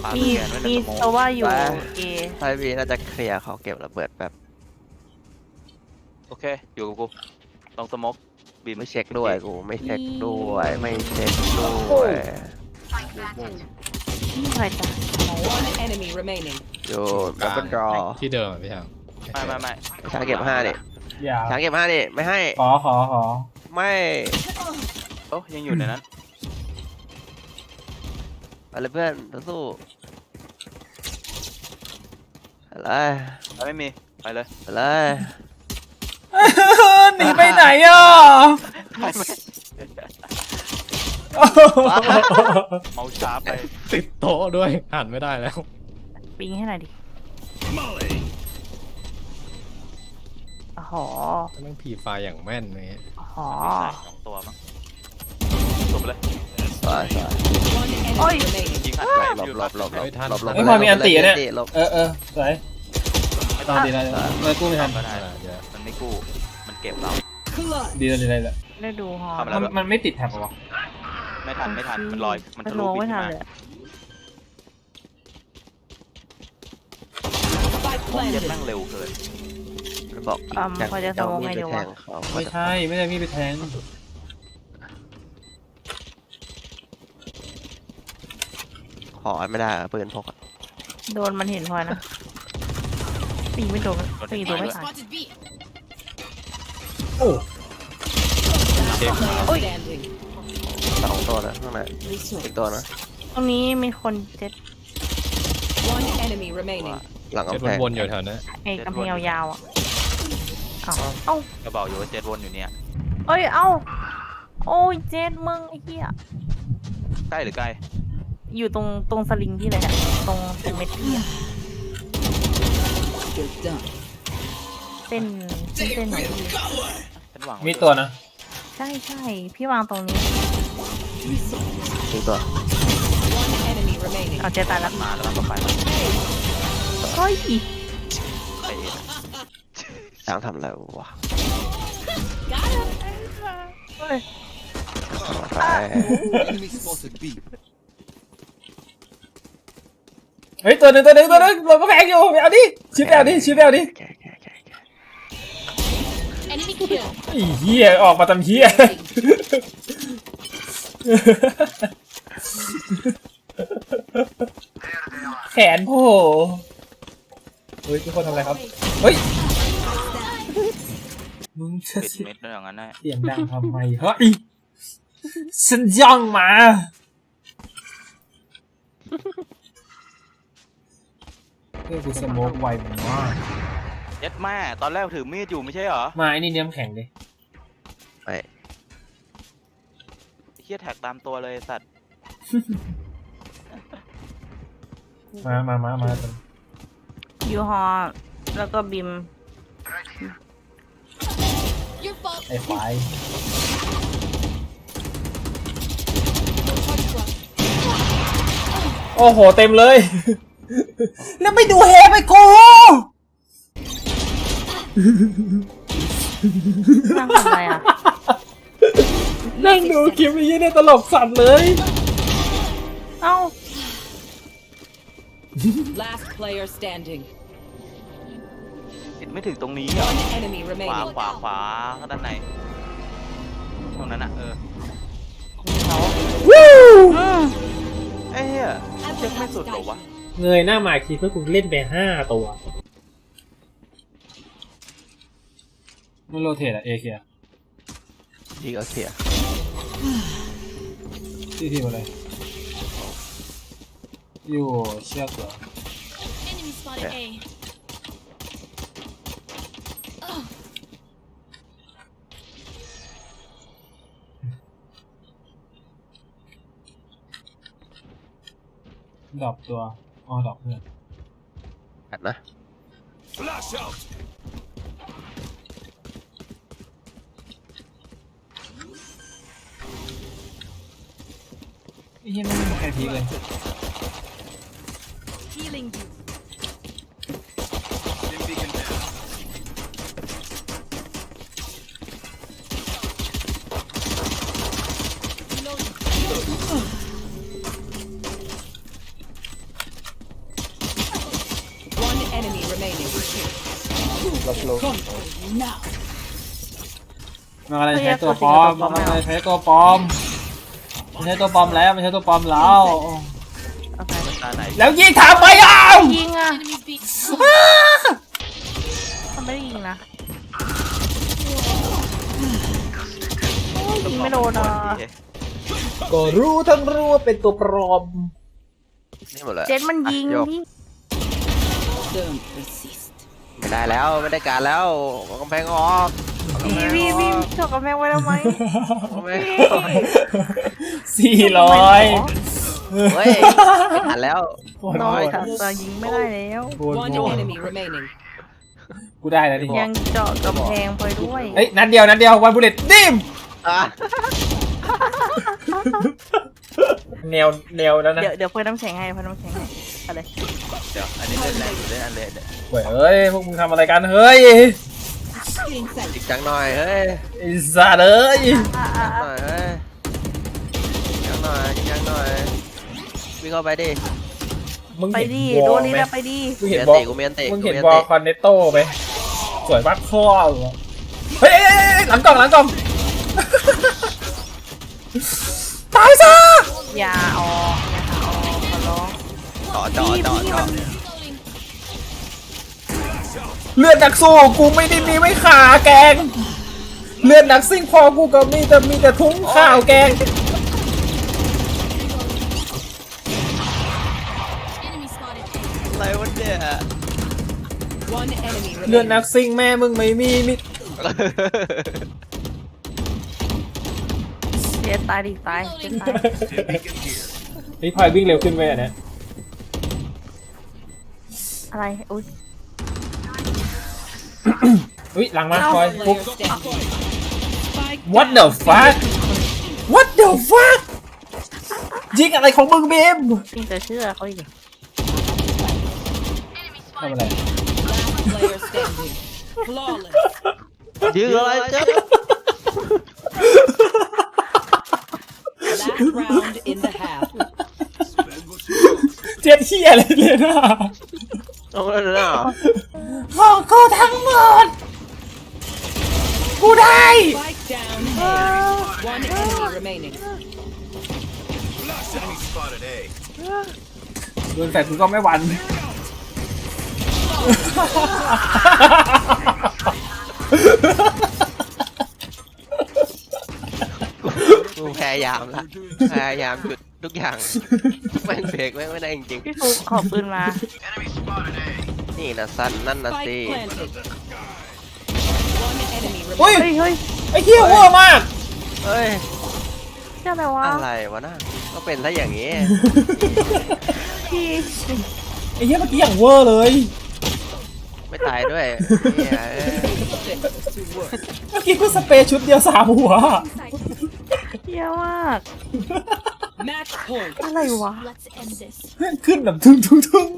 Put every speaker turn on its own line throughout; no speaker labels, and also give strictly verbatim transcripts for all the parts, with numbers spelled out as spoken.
า
มี
สแกนไว้ใน
มี
สโม
โซว่าอยู่
ไป
เอ
ไพบีน่าจะเคลียร์เขาเก็บระเบิดแบบ
โอเคอยู่กับกูลองสโมกบีม
ไม่เช็คด้วยกูไม่เช็คด้วยไม่เช็คด้วย
นี่ใครจ้ะ
One enemy remaining.
อยู่ดับเบิลดรอ
ที่เดิมอะพี่ช้าง
ไม่ไม่ไม่
ช้างเก็บห้าดิ
อย่า
ช้างเก็บห้าดิไม่ให้
ขอขอขอ
ไม่
โอ้ยังอยู่ในนั้น
ไปเลยเพื่อนสู้ไปเลย
ไม่มีไปเลย
ไปเลย
หนีไปไหนอ่ะ
เมาช้าไป
ติดโต๊ะด้วยหันไม่ได้แล้ว
ปิงให้หน่อยดิอ๋อ
ต้องผีไฟอย่างแม่นเลย
อ๋อ
ใส่สองตัวมั้งจบเลย
สวยสวย
One enemy
Oi.
remaining.
ยิงอัดไกล
หลบ
อยู่
หลบหลบหลบหลบหลบ
ไอ้ยพอมีอันตีอะเนี่ย
หลบ
เออเออสวยตอนดีแล้วเลยกู้ไม่ทัน
ก็ได้
เดี๋ยว
มันไม่กู้มันเก็บเรา
ดีแล้วดีแล้วดีแล้ว
ได้ดูฮอ
ทำอะไร
มันมันไม่ติดแท็บเหรอวะ
ไม่ทันไม่ทันมันลอยมัน
มัน
ทะ
โล
ลุบิ
ไม่
น
ทัน
มา
เลยอะ
Spike
เจ็บ
planted.
แม่งเร็วเกิน
มันบอก
อืม
แทง
พอจะส
เจ้าม
อง
มี
ไง
ดไป
ดี
แท
วะ
งเขา
ไม่ใช่ไม่ได้มีไปแทง
ขอไม่ได้อะปืนพกอะ
โดนมันเห็นพอนะปีไม่โดนปีตัวไม่ทัน
โอ้
Player standing.
สองตัวนะข้างในอีกตัวนะ
ตรงนี้มีคนเจ็ด
One enemy remaining.
หลัง
เจ็ด
กำแพง
วนๆอยู่แถวนั้น
ไอ้กำแพงยาวๆอ่ะเอ้าเอ้า
ก็บอกอยู่ว่าเจ็ดวนอยู่เนี่ย
เอ้ยเอ้าโอ้ยเจ็ดมึงไอ้เหี้ย
ใกล้หรือไกล
อยู่ตรงตรงสลิงที่เลยอะตรงตรงเม็ดพี่อะ
You're done.
เส้นเส้นเส้นของพี่
ฉันหวัง
มีตัวนะ
ใช่ใช่พี่วางตรงนี้
อีกตัว
One enemy remaining.
เอาเจตายแล้ว
มาแล้วมันก็ไปแล้ว
เฮ้ย
ไปเอง
ช้างทำอะไรวะ
เฮ้ย
ไป
เฮ้ยตัวหนึ่งตัวหนึ่งตัวหนึ่งเราก็แพงอยู่ไปเอาดิชิปไปเอาดิชิปไปเอาดิ
แกะแกะแกะแกะ
Enemy kill.
ไอ้เหี้ยออกมาทำเหี้ยแขนโผล่เฮ้ยทุกคนทำอะไรครับเฮ้ยมึงจะ
ปิดเม็ดด้วยอย่างนั้นได้
เสียงดังทำไมเฮ้ยฉันย่องมาเพื่อกูสโมกไวมาก
เย็ดแม่ตอนแรกถือมีดอยู่ไม่ใช่เหรอ
มาไอ้นี่เนี้ยมแข็งเลย
ไป
เฮียแท็กตามตัวเลยสัตว์
มามามามา
ยูฮอแล้วก็บิม
Your fault.
ไอ้ควายโอ้โหเต็มเลย แล้วไม่ดูเฮไปกู
นั่งทำอะไรอ่ะ
นั่งดูคลิปไอ้ยี่เนี่ยตลกสัตว์เลย
เอ้า
Last player standing.
ติดไม่ถึงตรงนี้เหรอ
One enemy
ขวา
remaining.
ขวาขวาด้านในตรงนั้นอะเออ
วู้
ไอ้เหี้ยเช็คไม่สุดเหรอวะ
เงยหน้ามาคิดเพื่อกูเล่นไปห้าตัวมันโรเทตอะเอเคีย
ดีก็เคลียร์
ที่ทีมอะไรอยู่เชือกเหรอ
Enemy spotted A.
ดรอปตัวอ๋อดรอปเพื่อน
อัดนะ
ไอ้เหี้ยไม่มีใครพีคเลย
Healing you.
โลมันอะไรใช้ตัวปลอมมันอะไรใช้ตัวปลอมมันใช้ตัวปลอมแล้วมันใช้ตัวปลอมแล้ว
โอเค
ตาไหน
แล้วยิงถามไปอ่ะ
ยิงอ่ะ
Enemies B.
เขาไม่ได้ยิงนะโอ้ยยิงไม่โดนอ่ะ
ก็รู้ทั้งรู้ว่าเป็นตัวปลอม
นี่หมดเลย
เจ็ดมันยิง
อ่ะโยก
พี่
Don't resist.
ไม่ได้แล้วไม่ได้การแล้วเอากำแพงออกเอากำแพ
พี่
ง
พี่
อ
พี่
อก
จบกับแม่ไว้ทำไม
เอากำแพง
พี่
ออก
สี่ร้อย
เฮ้ยไม่ทันแล้ว
น้อยค่ะแต่ยิงไม่ได้แล้ว
One enemy remaining.
กูได้แล้วดิ
ยังเจาะกำแพงไปด้วย
เอ้ยนัดเดียวนัดเดียววันบุลเลตดิม
อ่ะ
แนวแนวแล้วนะ
เดี๋ยวเดี๋ยวเพิ่มน้ำแข็งให้เพิ่มน้ำแข็งให้อะไร
เดี๋ยวอันนี้เล่นแรงอยู่เล่นอันเลยเนี่ย
เว้ยเฮ้ยพวกมึงทำอะไรกันเฮ้ย
จริงจังหน่อยเฮ้ย
ไอ้สัตว์เอ้ย
อ่ะอ่ะ
หน่อยเฮ้ยจริงจังหน่อยจริงจังหน่อยวิ่งเข้าไปดิ
มึง
ไป
เห็น
ดิ
ว
โด
อล
นนี่
ไหม
แล้วไปดิ
มึง
เมี
เห็น
ยน
บอล
ติกูเมียนติ
มึง
กู
เห็น
เมียน
บอล
ติ
คอนเนตโต้ไหมสวยมากข้อเฮ้ยเอ้ยเอ้ยเอ้ยหลังกล่องหลังกล่องตายซะ
อย่าออกอย่าหาออกขอร้อง
ต่อจ่อจ่อจ่อ
เลือดนักสู้กูไม่ได้มีไว้ขาแกงเลือดนักซิ่งพอกูก็มีแต่มีแต่ทุ้งข้าวแกง
Enemy spotted A.
อะไรวะเนี่ย
One enemy
เลือด
remaining.
นักซิ่งแม่มึงไม่มีมิ
เจ็ดตายดิตายเจ็ดตาย
นี่พลอยวิ่งเร็วขึ้นไปอ่ะเนี่ย
อะไรอุ้ย
อุ้ยหลังมาพลอย
Last
ปุ๊บ
player standing. Spike
What
down
the
A.
fuck What the fuck ยิงอะไรของมึงเบม
พี่จะเชื่อเขาอีก
ทำอะไร
Last player standing. Flawless.
ยิงอะไรเจ๊
Last round in the half.
เจ็ดเฮียอะไรเลยนะ
เอาเลยนะ
ของกูทั้งหมด กูได้
Spike down A. One enemy remaining.
โดนแฟนกูก็ไม่หวัน
กูพยายามละพยายามหยุดทุกอย่างแม่งเบรกแม่งไม่ได้จริง
พี่ฟุกขอปืนมา
ๆนี่นะสั้นนั่นนะสิ
Spike planted. One enemy
เฮ้ย
remaining.
เฮ้ยเฮ้ย
ไอ้เฮียเวอร์มาก
เฮ้ย
เจ้าอะไรวะ
อะไรวะน่ะก็เป็นซะอย่างนี้
พี่
ไอ้เฮียเมื่อกี้อย่างเวอร์เลย
ไม่ตายด้วยเนี่ยเอ้ย
เมื่อกี้กูสเปรย์ชุดเดียวสามหัว
เยี่ยมาก
Match point.
อะไรวะ
Let's end this.
ขึ้นแบบทุ่งทุ่งทุ่ง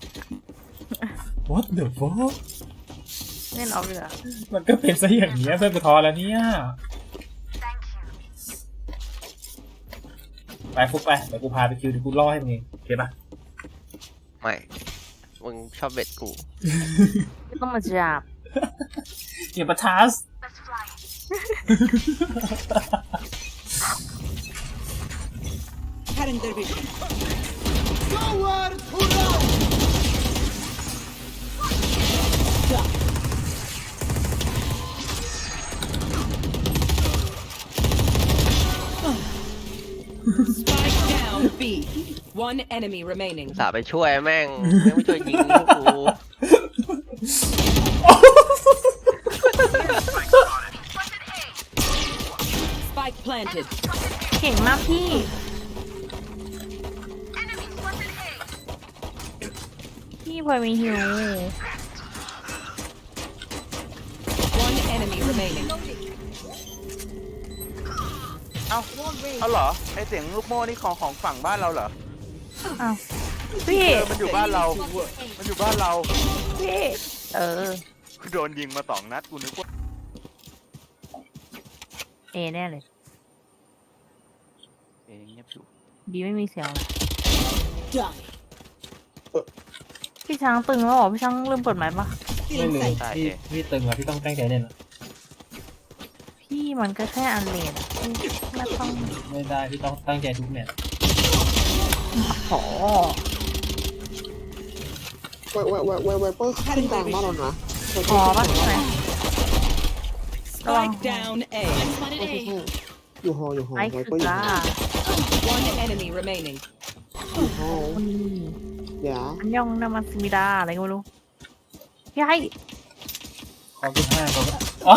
What the fuck
เล่นเอาเลยอะ
มันก็เป็นซะอย่างนี้ยเพื่อนกูทอแล้วเนี่ยไปฟุกไปเดี๋ยวกูพาไปคิวเดี๋ยวกูล่อให้มึงเองโอเคปะ
ไม่มึงชอบเบ็ดกู
ไม่ต้องมาจับ
อย่ามาทัส
Spike down B. One enemy remaining.
สาไปช่วยแม่งแม่งไม่ช่วยยิงพวกกู
Spike planted.
เก่งมากพี่ พี่พลอยมีหิว
One enemy remaining.
เอ้าเอาเหรอไอเสียงลูกโม่นี่ของของฝั่งบ้านเราเหรอ
อ้าวพี่
เออมันอยู่บ้านเรา มันอยู่บ้านเรา
พี่เออ
โดนยิงมาสองนัดกูนึกว่า
เอแน่เลย
เองเงียบอยู่
บีไม่มีเสียงเลยพี่ช้างตึงแล้วเหรอพี่ช้างลืมเปิดไมค์ปะ
ไม่เลยพี่พี่ตึงแล้วพี่ต้องตั้งใจเล่นละ
พี่มันก็แค่อันเลนพี่ไม่ต้อง
ไม่ได้พี่ต้องตั้งใจทุกแมตช์
ขอ
ไวไวไวไวไวเปอร์ขึ้นกลางบ้านเรานะ
ขอปะไหน
Spike down A.
Spotted
ใช่ใช่
A.
ใช่อยู่หออยู่หอ
ไอ้
ไว
คือ
เปอร์อยู่
จ้า
หอ
One enemy remaining.
อยู่หอ
คน
เดี๋ยว
อันยองนามาซิมิดาอะไรก็ไม่รู้พี่ให้
ขอบคุณห้าขอบคุณอ๋อ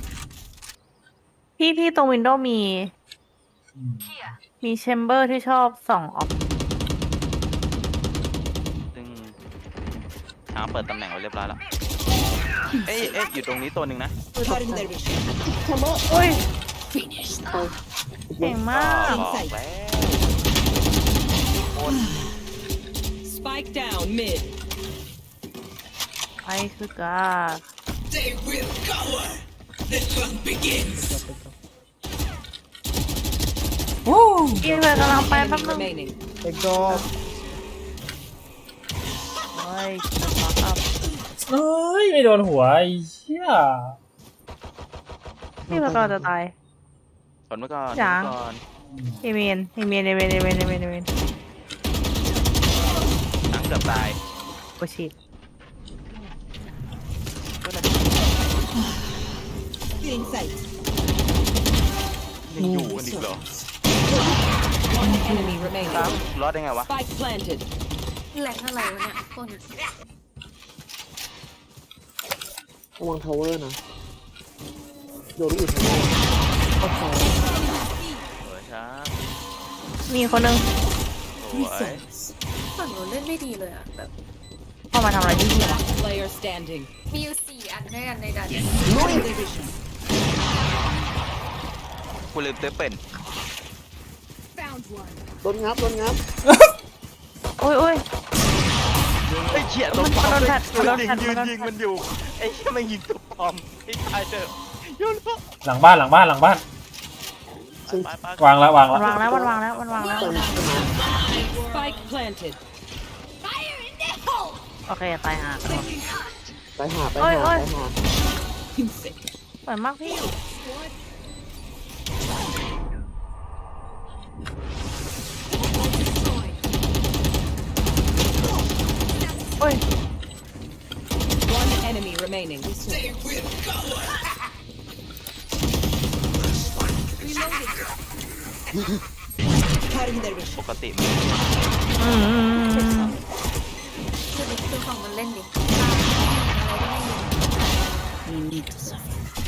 พี่พี่ตรงวินโดว์มี
อืม
มีแชมเบอร์ที่ชอบส่องออก
ซึ่งช้างเปิดตำแหน่งไว้เรียบร้อยแล้วเอ้ยเอ้ยอยู่ตรงนี้ตัวหนึ่งนะ
Cutting their vision.
แชมเบอร์
อุ้ย
เอา
เก่งมา
ก็
ก
บอกแล้วโคตร
Spike down mid.
ไอ้คือจ้าพี่เลยกำลังไป
Enemy
แป๊บนึง
remaining.
เด็กโดน
เฮ้ยจะมาอัพ
เอ้ยไม่โดนหัวไอ้เหี้ย
พี่มันก็จะตาย
ทนไว้ก่อน
จ๋า
ทนไว้ก่อน
เอเมนเอเมนเอเมนเอเมนเอเมนเอเมน
ช้างเกือบตาย
โอชิต
Feeling sight.
ยังอยู่กันอีกเหรอ
One enemy remaining.
รอดได้ไงวะ
Spike planted.
แหลกอะไรวะเนี่ยคน
ระวังทาวเวอร์นะโดนอีกทาวเวอร์โอ้โห
สวยช้าง
มีคนนึง
สวย
ฝั่งหนูเล่นไม่ดีเลยอะแบบ
เข้ามาทำอะไรที่นี่วะ
Player standing.
มีอยู่สี่อันด้วยกันในการ
Cutting their vision.
กูลืมเต้เป็น
โดนงับโดนงับ
โอ้ยโอ้ย
ไอ้เหี้ยตัวปลอม
มันโดนแฟลช
ยืน
มันโดน
ยิ
แฟล
ง
ช
ยืน
มันโดน
ยิง
แฟลช
มันอยู่ไอ้เหี้ยมันยิงตัวปลอมไอ้ตายเถอะโยนแล้ว
หลังบ้านหลังบ้านหลังบ้าน
ไปไป
วางแล้ววาง
มัน
แล้ว
วางแล้วมันวางแล้วมันวางแล้ว
Spike planted.
Fire in the hole
โอเคตายห่า
ไปหาไป
โอ้ย
หา
โอ้ย
ไปหา
สวยมากพี่โอ้ย
One enemy remaining. Cutting their vision.
ปกติมัน
อืม